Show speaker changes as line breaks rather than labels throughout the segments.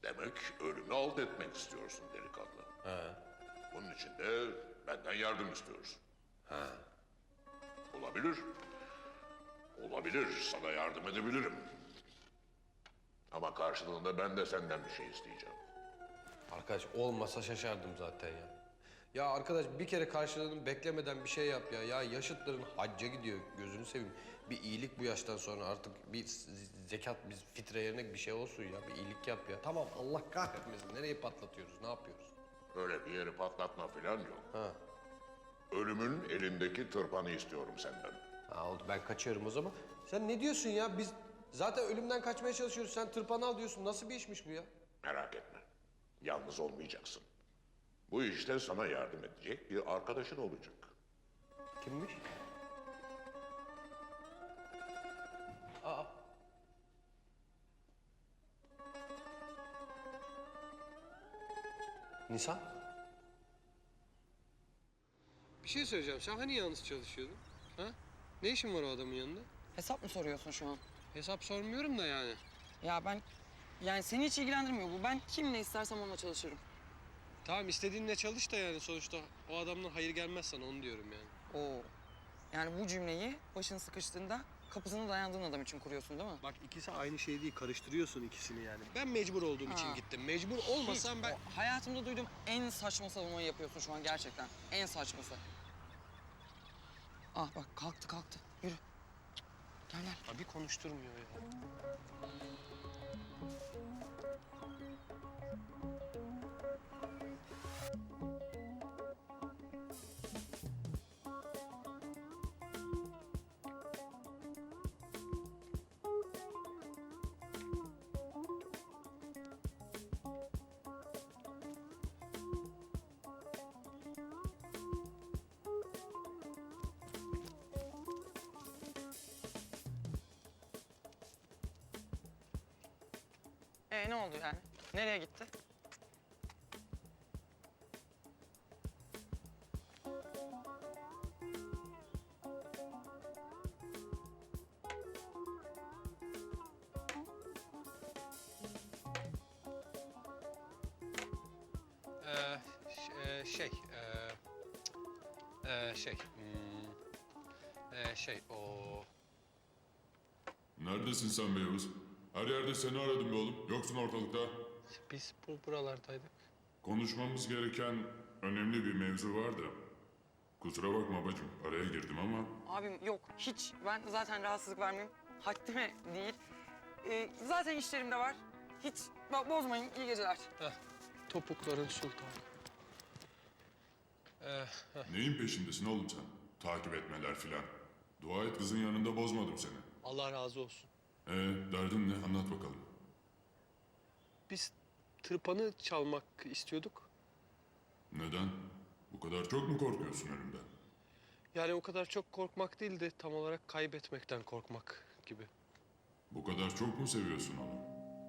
Demek ölümü alt etmek istiyorsun delikanlı.
He.
Bunun için de benden yardım istiyorsun. Olabilir. Olabilir, sana yardım edebilirim. Ama karşılığında ben de senden bir şey isteyeceğim.
Arkadaş olmasa şaşardım zaten ya. Ya arkadaş bir kere karşılığını beklemeden bir şey yap ya. Ya yaşıtların hacca gidiyor, gözünü seveyim. Bir iyilik bu yaştan sonra artık bir zekat, bir fitre yerine bir şey olsun ya. Bir iyilik yap ya. Tamam Allah kahretmesin. Nereye patlatıyoruz, ne yapıyoruz?
Öyle bir yeri patlatma falan yok.
Ha.
Ölümün elindeki tırpanı istiyorum senden.
Ha oldu, ben kaçıyorum o zaman. Sen ne diyorsun ya? Biz zaten ölümden kaçmaya çalışıyoruz. Sen tırpanı al diyorsun. Nasıl bir işmiş bu ya?
Merak etme. Yalnız olmayacaksın. Bu işte sana yardım edecek bir arkadaşın olacak.
Kimmiş? Aa. Nisan? Bir şey söyleyeceğim. Sen hani yalnız çalışıyordun? Ha? Ne işin var o adamın yanında?
Hesap mı soruyorsun şu an?
Hesap sormuyorum da yani.
Ya ben... Yani seni hiç ilgilendirmiyor bu. Ben kimle istersem onunla çalışırım.
Tamam istediğinle çalış da yani sonuçta o adamdan hayır gelmez sana onu diyorum yani.
Oo. Yani bu cümleyi başın sıkıştığında kapısına dayandığın adam için kuruyorsun değil mi?
Bak ikisi aynı şey değil. Karıştırıyorsun ikisini yani. Ben mecbur olduğum için
Ha.
gittim. Mecbur olmasam ben...
O hayatımda duyduğum en saçma savunmayı yapıyorsun şu an gerçekten. En saçması. Ah bak kalktı. Yürü. Gel.
Abi konuşturmuyor ya.
Ne oldu yani? Nereye gitti?
O...
Neredesin sen be Yavuz? Her yerde seni aradım be oğlum. Yoksun ortalıkta.
Biz buralardaydık.
Konuşmamız gereken önemli bir mevzu var da. Kusura bakma bacım, araya girdim ama...
Abim yok hiç. Ben zaten rahatsızlık vermeyeyim. Haddime değil. Zaten işlerim de var. Hiç bozmayın. İyi geceler.
Topukların sultanı.
Neyin peşindesin oğlum sen? Takip etmeler filan. Dua et kızın yanında bozmadım seni.
Allah razı olsun.
Derdin ne? Anlat bakalım.
Biz tırpanı çalmak istiyorduk.
Neden? Bu kadar çok mu korkuyorsun ölümden?
Yani o kadar çok korkmak değil de tam olarak kaybetmekten korkmak gibi.
Bu kadar çok mu seviyorsun onu?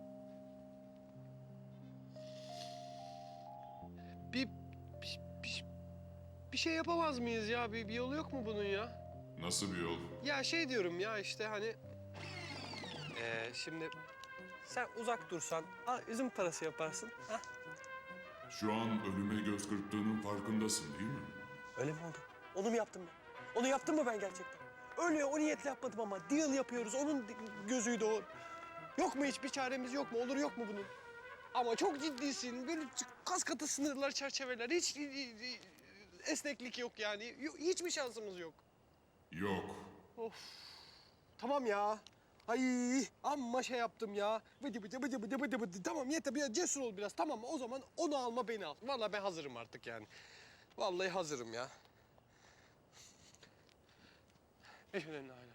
Bir şey yapamaz mıyız ya? Bir yolu yok mu bunun ya?
Nasıl bir yol?
Ya şey diyorum ya işte hani... şimdi sen uzak dursan, üzüm parası yaparsın. Ha?
Şu an ölüme göz kırptığının farkındasın değil mi?
Öyle mi oldu? Onu mu yaptım ben? Onu yaptım mı ben gerçekten? Öyle o niyetle yapmadım ama deal yapıyoruz. Onun gözüydü o. Yok mu hiçbir çaremiz yok mu? Olur yok mu bunun?
Ama çok ciddisin. Böyle kas katı sınırlar, çerçeveler. Hiç esneklik yok yani. Hiçbir şansımız yok.
Yok.
Tamam ya. Ay amma şey yaptım ya. Bıdı. Tamam yeter biraz cesur ol biraz. Tamam o zaman onu alma beni al.
Vallahi ben hazırım artık yani. Vallahi hazırım ya. Eşhedü en la ilahe